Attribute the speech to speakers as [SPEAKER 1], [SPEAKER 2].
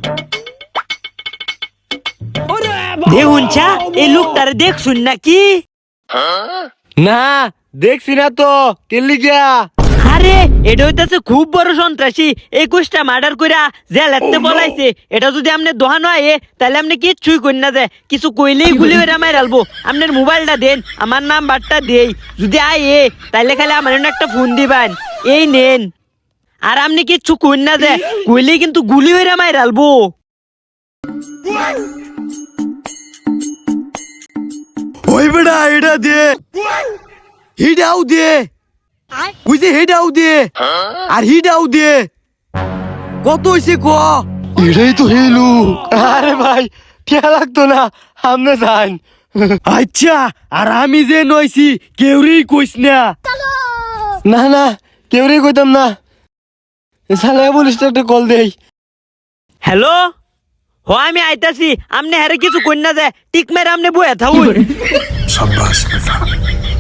[SPEAKER 1] দেখুন চা এই লোকটারে দেখছুন নাকি?
[SPEAKER 2] না দেখছি না তো, কেলি গিয়া?
[SPEAKER 1] আরে এটা হইতাছে খুব বড় সন্ত্রাসী, 21টা মার্ডার কইরা জেলেতে বলাইছে। এটা যদি আপনি দোহান হয় তাহলে আপনি কিচ্ছুই কইন না, যায় কিছু কইলেই গুলি হইরা মাইরালবো। আপনার মোবাইলটা দেন, আমার নাম্বারটা দেই, যদি আয় তাহলে খালি আমার একটা ফোন দিবেন, এই নেন। আর আপনি কিচ্ছু কইন না, যায় কইলেই কিন্তু গুলি হইরা মাইরালবো।
[SPEAKER 2] ওই বেটা এটা দে, হিডাও দে, বুঝে হিডাও দে, আর হিডাও দে। কত হইছে ক? এটাই তো হেলু। আরে ভাই কে লাগতো না, আমনে যান। আচ্ছা, আর আমি যে নইছি কেউরেই কইস না। না না, কেউরেই কইতাম না। সালা পুলিশটা একটা কল দেই।
[SPEAKER 1] হ্যালো, হ আমি আইতাছি, আপনি হারে কিছু কইন না, যায় টিক মেরে আপনি বয়ে থাকুন।
[SPEAKER 3] शाबाश बेटा।